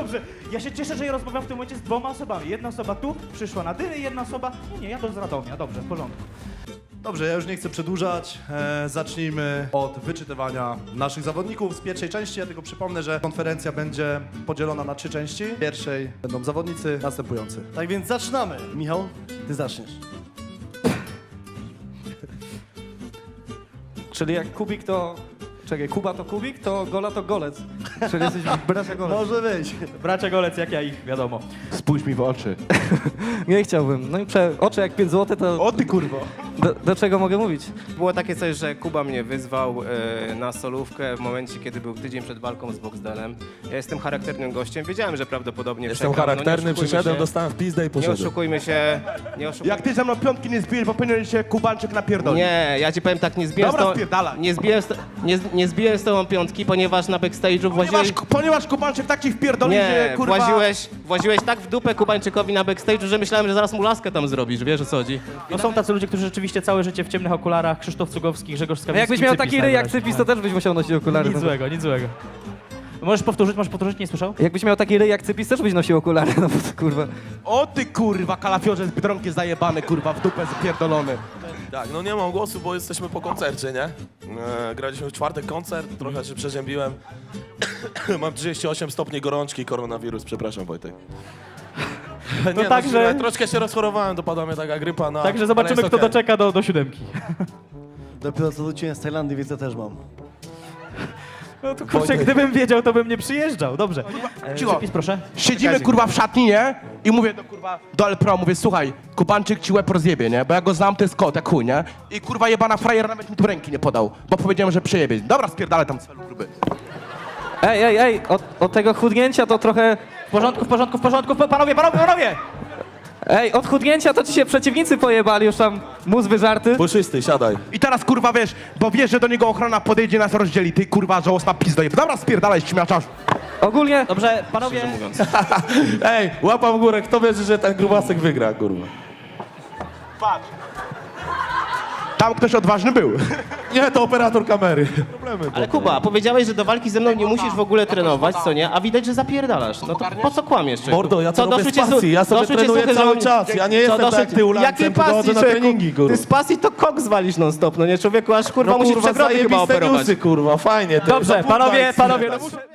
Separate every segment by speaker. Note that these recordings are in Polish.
Speaker 1: dobrze. Ja się cieszę, że ja rozmawiam w tym momencie z dwoma osobami. Jedna osoba tu przyszła na dymy, jedna osoba... Nie, ja to z Radomia. Dobrze, w porządku.
Speaker 2: Dobrze, ja już nie chcę przedłużać. Zacznijmy od wyczytywania naszych zawodników z pierwszej części. Ja tylko przypomnę, że konferencja będzie podzielona na 3 części. W pierwszej będą zawodnicy następujący.
Speaker 3: Tak więc zaczynamy. Michał, ty zaczniesz.
Speaker 4: Czyli jak Kubik to... Czekaj, Kuba to Kubik, to Gola to Golec. Czyli jesteś bracia Golec.
Speaker 3: Może być.
Speaker 1: Bracia Golec, jak ja ich, wiadomo.
Speaker 5: Spójrz mi w oczy.
Speaker 4: Nie chciałbym. No i oczy jak 5 zł, to
Speaker 5: O ty kurwo.
Speaker 4: do czego mogę mówić?
Speaker 6: Było takie coś, że Kuba mnie wyzwał na solówkę w momencie, kiedy był tydzień przed walką z Boxdelem. Ja jestem charakternym gościem, wiedziałem, że prawdopodobnie
Speaker 5: Jestem
Speaker 6: przegram.
Speaker 5: charakterny,
Speaker 6: nie oszukujmy
Speaker 5: przyszedłem,
Speaker 6: się.
Speaker 5: dostałem w pizdę i
Speaker 6: Nie
Speaker 5: poszedłem.
Speaker 6: oszukujmy się, nie oszukujmy.
Speaker 7: Jak ty ze mną piątki nie zbijesz, bo powinien się Kubańczyk napierdolić.
Speaker 6: Nie, ja ci powiem tak, nie zbiłem,
Speaker 7: Dobra,
Speaker 6: z
Speaker 7: spierdalaj.
Speaker 6: nie zbiłem z tobą piątki, ponieważ na backstage'u
Speaker 7: Ponieważ Kubańczyk tak ci wpierdoli, że
Speaker 6: Nie,
Speaker 7: kurwa...
Speaker 6: właziłeś tak w dupę Kubańczykowi na backstage'u, że myślałem, że zaraz mu laskę tam zrobisz, wiesz o co chodzi?
Speaker 1: No są tacy ludzie, którzy rzeczywiście całe życie w ciemnych okularach. Krzysztof Cugowski, Grzegorz
Speaker 4: A
Speaker 1: Skawicki.
Speaker 4: jakbyś miał
Speaker 1: Cypis
Speaker 4: taki ryj jak
Speaker 1: najwyraźniej.
Speaker 4: Cypis, to też byś musiał nosić okulary.
Speaker 1: Nic
Speaker 4: No.
Speaker 1: złego, nic złego. Możesz powtórzyć, nie słyszał?
Speaker 4: Jakbyś miał taki ryj jak Cypis, też byś nosił okulary, no bo to kurwa.
Speaker 7: O ty kurwa, kalafiorze z Biedronki zajebany, kurwa, w dupę spierdolony.
Speaker 8: Tak, no nie mam głosu, bo jesteśmy po koncercie, nie? Graliśmy w czwartek koncert, trochę się przeziębiłem. Mam 38 stopni gorączki, koronawirus, przepraszam Wojtek. Nie, no,
Speaker 1: także-
Speaker 8: troszkę się rozchorowałem, dopadła mnie taka grypa, no.
Speaker 1: Także
Speaker 8: ale
Speaker 1: zobaczymy,
Speaker 8: jest
Speaker 1: kto
Speaker 8: okej.
Speaker 1: doczeka do 7.
Speaker 3: Dopiero co wróciłem z Tajlandii, więc ja też mam.
Speaker 1: No to kurczę, gdybym wiedział, to bym nie przyjeżdżał. Dobrze.
Speaker 7: Cicho.
Speaker 1: Cypis, proszę.
Speaker 7: Siedzimy kurwa w szatni, nie? I mówię do kurwa, do Elpro, mówię, słuchaj, Kubańczyk ci łeb rozjebie, nie? Bo ja go znam, to jest kot, jak chuj, nie? I kurwa jebana frajer nawet mi tu ręki nie podał, bo powiedziałem, że przejebie. Dobra, spierdalaj tam celu gruby.
Speaker 4: Ej, od tego chudnięcia to trochę...
Speaker 1: W porządku, panowie!
Speaker 4: Ej, od chudnięcia to ci się przeciwnicy pojebali, już tam mózg wyżarty.
Speaker 8: Puszysty, siadaj.
Speaker 7: I teraz kurwa wiesz, bo wiesz, że do niego ochrona podejdzie, nas rozdzieli, ty kurwa żałosna pizdo jeb. Dobra, spierdalaj, śmiaczasz.
Speaker 4: Ogólnie...
Speaker 1: Dobrze, panowie.
Speaker 8: Ej, łapa w górę, kto wierzy, że ten grubasek wygra, kurwa?
Speaker 7: Tam ktoś odważny był.
Speaker 8: Nie, to operator kamery.
Speaker 6: Ale Kuba, powiedziałeś, że do walki ze mną nie musisz w ogóle trenować, co nie? A widać, że zapierdalasz. No to po co kłamiesz, człowieku?
Speaker 8: Mordo, ja to
Speaker 6: Co,
Speaker 8: robię
Speaker 6: doszły
Speaker 8: z
Speaker 6: cię su-
Speaker 8: pasji, ja sobie
Speaker 6: doszły cię
Speaker 8: trenuję
Speaker 6: słuchy,
Speaker 8: cały
Speaker 6: że-
Speaker 8: czas, ja nie
Speaker 6: Co,
Speaker 8: jestem
Speaker 6: doszły-
Speaker 8: tak jak ty ulancem,
Speaker 6: Jakiej
Speaker 8: tylko chodzę
Speaker 6: pasji,
Speaker 8: na
Speaker 6: człowieku?
Speaker 8: treningi, kurwa.
Speaker 6: Ty z pasji to kok zwalisz non stop, no nie? Człowieku, aż kurwa musisz przegrody chyba
Speaker 8: zajebiste
Speaker 6: operować.
Speaker 8: newsy, kurwa, fajnie. ty.
Speaker 1: Dobrze,
Speaker 8: Zapudlaj,
Speaker 1: panowie,
Speaker 8: kurwa.
Speaker 1: no muszę...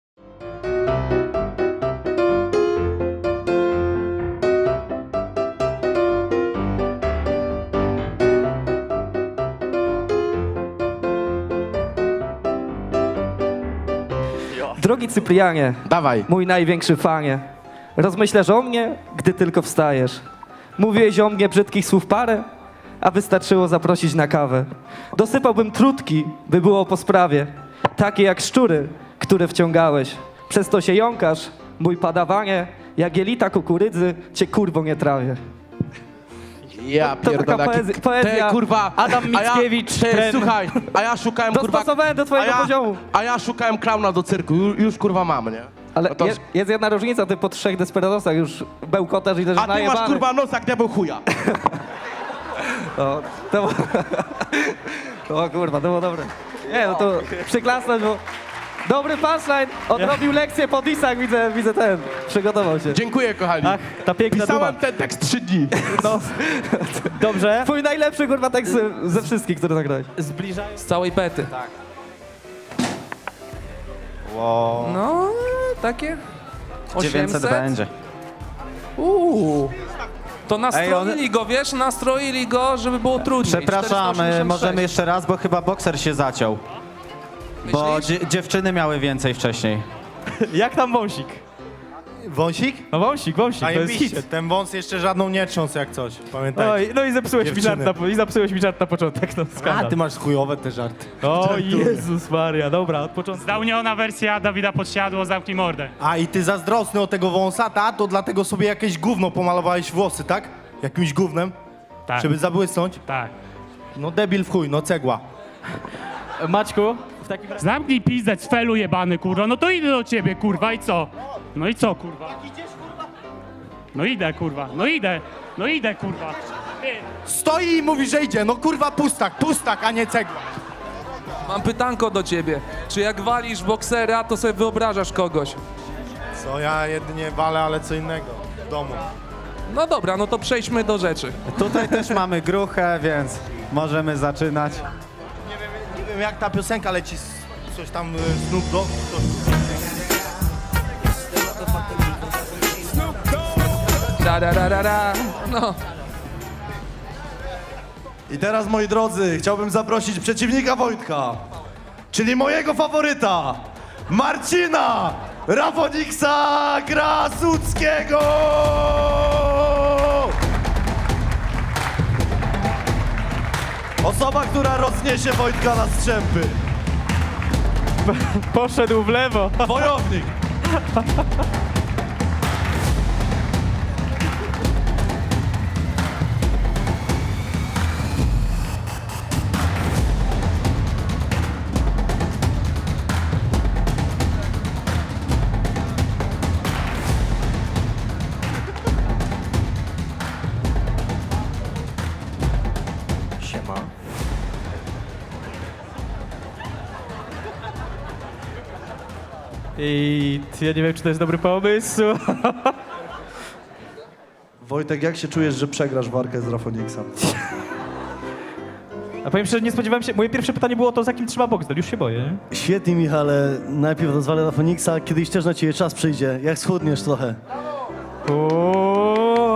Speaker 4: Drogi Cyprianie,
Speaker 7: Dawaj.
Speaker 4: mój największy fanie, rozmyślasz o mnie, gdy tylko wstajesz. Mówiłeś o mnie brzydkich słów parę, a wystarczyło zaprosić na kawę. Dosypałbym trutki, by było po sprawie, takie jak szczury, które wciągałeś. Przez to się jąkasz, mój padawanie, jak jelita kukurydzy, cię kurwo nie trawię.
Speaker 7: Ja
Speaker 4: To taka
Speaker 7: pierdolę,
Speaker 4: poezja.
Speaker 7: Ty, kurwa,
Speaker 1: Adam Mickiewicz,
Speaker 7: Ty,
Speaker 1: tren.
Speaker 7: słuchaj, a ja szukałem kurwa...
Speaker 4: Dostosowałem do twojego poziomu.
Speaker 7: A ja szukałem klauna do cyrku, już kurwa mam, nie?
Speaker 4: Ale
Speaker 7: No to-
Speaker 4: jest jedna różnica, ty po 3 desperadosach już bełkotasz i leżysz
Speaker 7: A ty masz
Speaker 4: najebany.
Speaker 7: kurwa nos jak diabeł chuja.
Speaker 4: O, to o kurwa, to było dobre. Nie, no to przyklasnąć, bo... Dobry punchline, odrobił lekcję po disach, widzę ten, przygotował się.
Speaker 7: Dziękuję, kochani.
Speaker 1: Ach, ta piękna duma.
Speaker 7: Pisałem ten tekst 3 dni.
Speaker 1: No. Dobrze.
Speaker 4: Twój najlepszy kurwa tekst ze wszystkich, które nagrałeś.
Speaker 1: Zbliżają...
Speaker 9: Z całej pety. Tak. No, takie 800
Speaker 10: będzie.
Speaker 9: To nastroili go, wiesz, nastroili go, żeby było trudniej.
Speaker 10: Przepraszam,
Speaker 9: 486.
Speaker 10: możemy jeszcze raz, bo chyba bokser się zaciął. Bo
Speaker 9: Myślisz?
Speaker 10: dziewczyny miały więcej wcześniej.
Speaker 1: Jak tam wąsik?
Speaker 3: Wąsik?
Speaker 1: No wąsik, to jest hit.
Speaker 3: Ten wąs jeszcze żadną nie trząsł jak coś, pamiętajcie.
Speaker 1: No i zepsułeś mi żart na początek, no
Speaker 3: A,
Speaker 1: skandal.
Speaker 3: ty masz chujowe te żarty.
Speaker 1: O Jezus Maria, dobra, od początku.
Speaker 11: Zdałniona wersja Dawida Podsiadło, zamknij mordę.
Speaker 3: A i ty zazdrosny o tego wąsa, ta? To dlatego sobie jakieś gówno pomalowałeś włosy, tak? Jakimś gównem?
Speaker 11: Tak,
Speaker 3: Żeby zabłysnąć?
Speaker 11: tak.
Speaker 3: No debil w chuj, no cegła.
Speaker 1: Maćku, w takim razie...
Speaker 11: Zamknij pizdę, cfelu jebany, kurwa. No to idę do ciebie, kurwa, i co? No i co, kurwa? No idę, kurwa, no idę, kurwa. Ty.
Speaker 3: Stoi i mówi, że idzie, no kurwa pustak, a nie cegła.
Speaker 9: Mam pytanko do ciebie. Czy jak walisz boksera, to sobie wyobrażasz kogoś?
Speaker 3: Co ja jedynie walę, ale co innego w domu.
Speaker 9: No dobra, no to przejdźmy do rzeczy.
Speaker 10: Tutaj też mamy gruchę, więc możemy zaczynać.
Speaker 3: Nie wiem jak ta piosenka leci, coś tam Snoop Dogg.
Speaker 9: Da. No.
Speaker 2: I teraz, moi drodzy, chciałbym zaprosić przeciwnika Wojtka, czyli mojego faworyta, Marcina Rafoniksa Krasuckiego! Osoba, która rozniesie Wojtka na strzępy.
Speaker 1: Poszedł w lewo.
Speaker 2: Wojownik.
Speaker 10: Siema.
Speaker 1: I ja nie wiem, czy to jest dobry pomysł.
Speaker 2: Wojtek, jak się czujesz, że przegrasz walkę z Rafoniksem?
Speaker 1: A powiem szczerze, nie spodziewałem się. Moje pierwsze pytanie było to, z jakim trzyma Boxdel. Już się boję, nie?
Speaker 5: Świetnie, Michale. Najpierw rozwalę Rafoniksa, kiedyś też na ciebie czas przyjdzie. Jak schudniesz trochę.
Speaker 1: Ooo.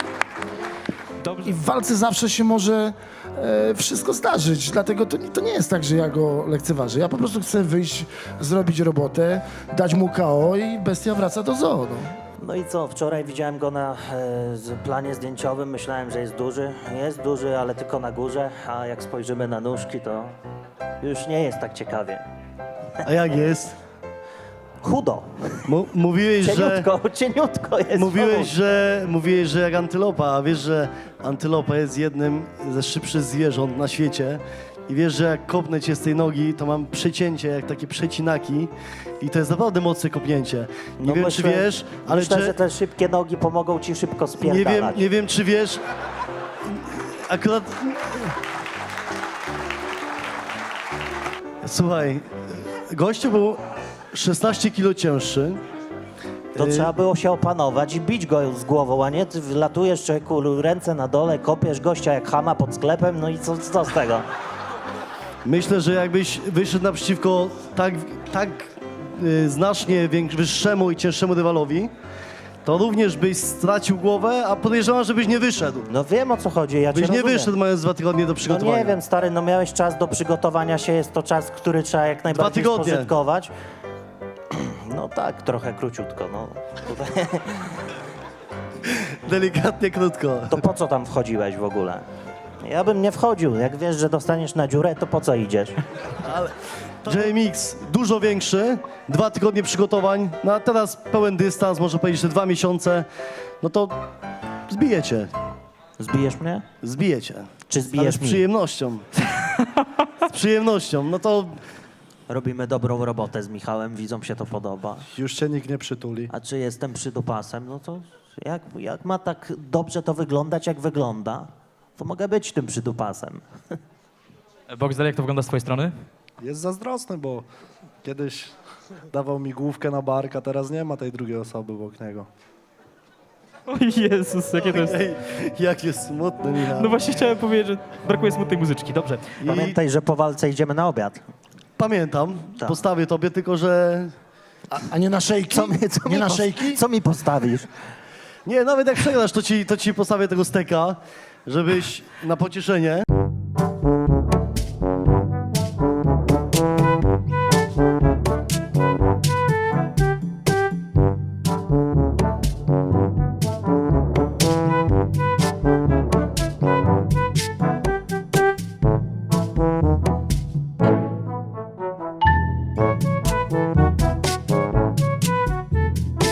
Speaker 12: I w walce zawsze się może wszystko zdarzyć, dlatego to nie jest tak, że ja go lekceważę. Ja po prostu chcę wyjść, zrobić robotę, dać mu KO i bestia wraca do zoo. No.
Speaker 13: No i co, wczoraj widziałem go na planie zdjęciowym, myślałem, że jest duży. Jest duży, ale tylko na górze, a jak spojrzymy na nóżki, to już nie jest tak ciekawie.
Speaker 5: A jak jest?
Speaker 13: Chudo,
Speaker 5: Mówiłeś, że...
Speaker 13: cieniutko jest.
Speaker 5: Mówiłeś, że jak antylopa, a wiesz, że antylopa jest jednym ze szybszych zwierząt na świecie. I wiesz, że jak kopnę cię z tej nogi, to mam przecięcie, jak takie przecinaki. I to jest naprawdę mocne kopnięcie. Nie wiem, czy wiesz, ale
Speaker 13: myślę, że te szybkie nogi pomogą ci szybko spierdalać.
Speaker 5: nie wiem, czy wiesz... Akurat... Słuchaj, gościu był 16 kilo cięższy.
Speaker 13: To trzeba było się opanować i bić go z głową, a nie ty wlatujesz człowieku, ręce na dole, kopiesz gościa jak chama pod sklepem, no i co z tego?
Speaker 5: Myślę, że jakbyś wyszedł naprzeciwko tak znacznie wyższemu i cięższemu rywalowi, to również byś stracił głowę, a podejrzewam, żebyś nie wyszedł.
Speaker 13: No wiem, o co chodzi, ja cię
Speaker 5: Byś nie
Speaker 13: rozumiem.
Speaker 5: wyszedł, mając 2 tygodnie do
Speaker 13: No
Speaker 5: przygotowania.
Speaker 13: nie wiem, stary, no miałeś czas do przygotowania się, jest to czas, który trzeba jak najbardziej
Speaker 5: 2 tygodnie.
Speaker 13: spożytkować. No tak, trochę króciutko, no. Tutaj.
Speaker 5: Delikatnie, krótko.
Speaker 13: To po co tam wchodziłeś w ogóle? Ja bym nie wchodził, jak wiesz, że dostaniesz na dziurę, to po co idziesz?
Speaker 5: JMX dużo większy, 2 tygodnie przygotowań, no a teraz pełen dystans, można powiedzieć, że 2 miesiące, no to zbijecie.
Speaker 13: Zbijesz mnie?
Speaker 5: Zbijecie.
Speaker 13: Czy
Speaker 5: Ale
Speaker 13: zbijesz
Speaker 5: z
Speaker 13: mnie?
Speaker 5: przyjemnością. Z przyjemnością, no to
Speaker 13: Robimy dobrą robotę z Michałem, widzom się to podoba.
Speaker 2: Już cię nikt nie przytuli.
Speaker 13: A czy jestem przydupasem, no to jak ma tak dobrze to wyglądać, jak wygląda, to mogę być tym przydupasem.
Speaker 1: Boxdel, jak to wygląda z twojej strony?
Speaker 2: Jest zazdrosny, bo kiedyś dawał mi główkę na bark, a teraz nie ma tej drugiej osoby obok niego.
Speaker 1: O Jezus, jakie to jest...
Speaker 5: ej, jak jest smutny, Michał.
Speaker 1: No właśnie chciałem powiedzieć, że brakuje smutnej muzyczki, dobrze.
Speaker 13: Pamiętaj, że po walce idziemy na obiad.
Speaker 5: Pamiętam,
Speaker 13: Tak.
Speaker 5: postawię tobie, tylko że...
Speaker 12: A nie na szejki? Nie na szejki?
Speaker 13: Co mi postawisz?
Speaker 5: Nie, nawet jak przegrasz, to ci postawię tego steka, żebyś na pocieszenie...